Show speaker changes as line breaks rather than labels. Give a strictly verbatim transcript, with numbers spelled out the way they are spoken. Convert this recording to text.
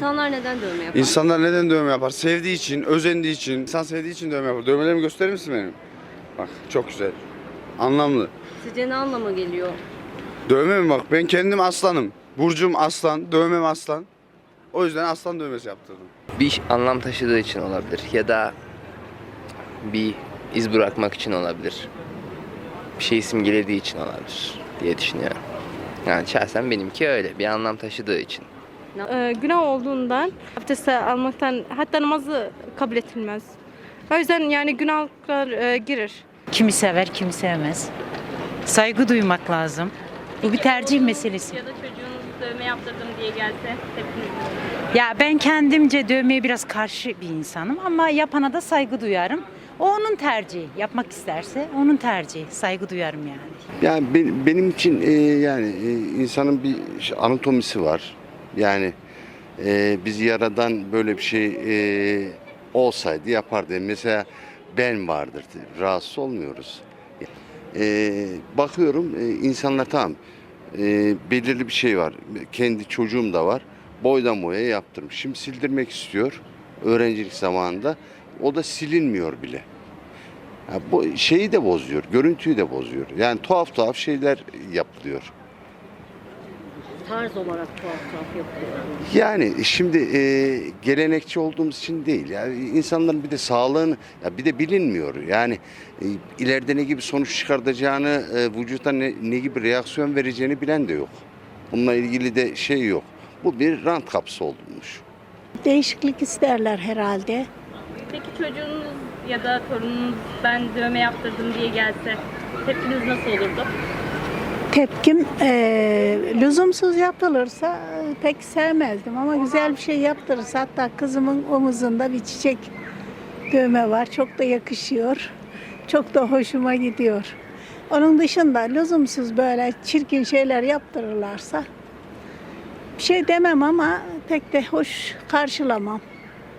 İnsanlar neden dövme yapar?
İnsanlar neden dövme yapar? Sevdiği için, özendiği için. İnsan sevdiği için dövme yapar. Dövmelerimi gösterir misin benim? Bak çok güzel. Anlamlı.
Sizce ne anlama geliyor?
Dövme mi bak? Ben kendim aslanım. Burcum aslan, dövmem aslan. O yüzden aslan dövmesi yaptırdım.
Bir anlam taşıdığı için olabilir ya da bir iz bırakmak için olabilir. Bir şey simgelediği için olabilir diye düşünüyorum. Yani şahsen benimki öyle, bir anlam taşıdığı için.
Ee, günah olduğundan abdest almaktan hatta namazı kabul edilmez. O yüzden yani günahlar e, girir.
Kimi sever, kimi sevmez. Saygı duymak lazım. Bu bir tercih meselesi.
Ya da çocuğunuz dövme yaptırdım diye gelse tepkiniz ne olur?
Ya ben kendimce dövmeye biraz karşı bir insanım ama yapana da saygı duyarım. O onun tercihi. Yapmak isterse onun tercihi. Saygı duyarım yani.
Yani be- benim için e, yani e, insanın bir ş- anatomisi var. Yani e, biz yaradan böyle bir şey e, olsaydı yapardı. Mesela ben vardır. Rahatsız olmuyoruz. E, bakıyorum e, insanlar tamam e, belirli bir şey var. Kendi çocuğum da var. Boydan boya yaptırmış. Şimdi sildirmek istiyor. Öğrencilik zamanında. O da silinmiyor bile. Ya bu şeyi de bozuyor, görüntüyü de bozuyor. Yani tuhaf tuhaf şeyler yapılıyor.
Tarz olarak tuhaf tuhaf yapıyor.
Yani şimdi e, gelenekçi olduğumuz için değil. Yani insanların bir de sağlığını, ya bir de bilinmiyor. Yani e, ileride ne gibi sonuç çıkartacağını, e, vücuta ne, ne gibi reaksiyon vereceğini bilen de yok. Bununla ilgili de şey yok. Bu bir rant kapısı olmuş.
Değişiklik isterler herhalde.
Peki çocuğunuz ya da torununuz ben dövme yaptırdım diye gelse tepkiniz nasıl olurdu?
Tepkim eee, lüzumsuz yapılırsa e, pek sevmezdim ama güzel bir şey yaptırırsa, hatta kızımın omuzunda bir çiçek dövme var. Çok da yakışıyor. Çok da hoşuma gidiyor. Onun dışında lüzumsuz böyle çirkin şeyler yaptırırlarsa bir şey demem ama pek de hoş karşılamam.